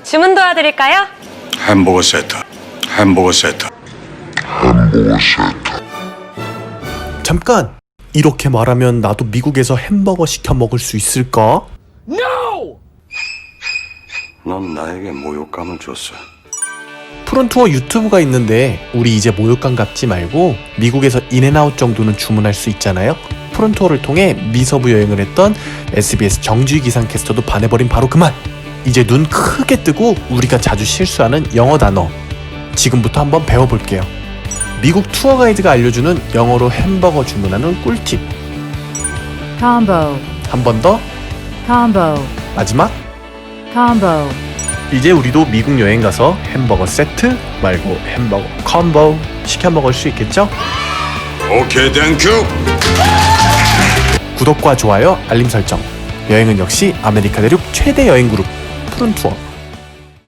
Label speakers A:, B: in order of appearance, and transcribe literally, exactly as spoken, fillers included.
A: 주문 도와드릴까요?
B: 햄버거 세트, 햄버거 세트.
C: 잠깐! 이렇게 말하면 나도 미국에서 햄버거 시켜 먹을 수 있을까?
B: 넌 나에게 모욕감을 줬어.
C: 푸른투어 유튜브가 있는데 우리 이제 모욕감 갖지 말고 미국에서 인앤아웃 정도는 주문할 수 있잖아요. 푸른투어를 통해 미서부 여행을 했던 에스비에스 정주희 기상캐스터도 반해버린 바로 그 말! 이제 눈 크게 뜨고 우리가 자주 실수하는 영어 단어 지금부터 한번 배워볼게요. 미국 투어 가이드가 알려주는 영어로 햄버거 주문하는 꿀팁.
D: combo,
C: 한 번 더,
D: combo,
C: 마지막.
D: combo,
C: 이제 우리도 미국 여행 가서 햄버거 세트 말고 햄버거 콤보 시켜 먹을 수 있겠죠?
B: 오케이, 땡큐.
C: 구독과 좋아요, 알림 설정. 여행은 역시 아메리카 대륙 최대 여행 그룹 푸른투어.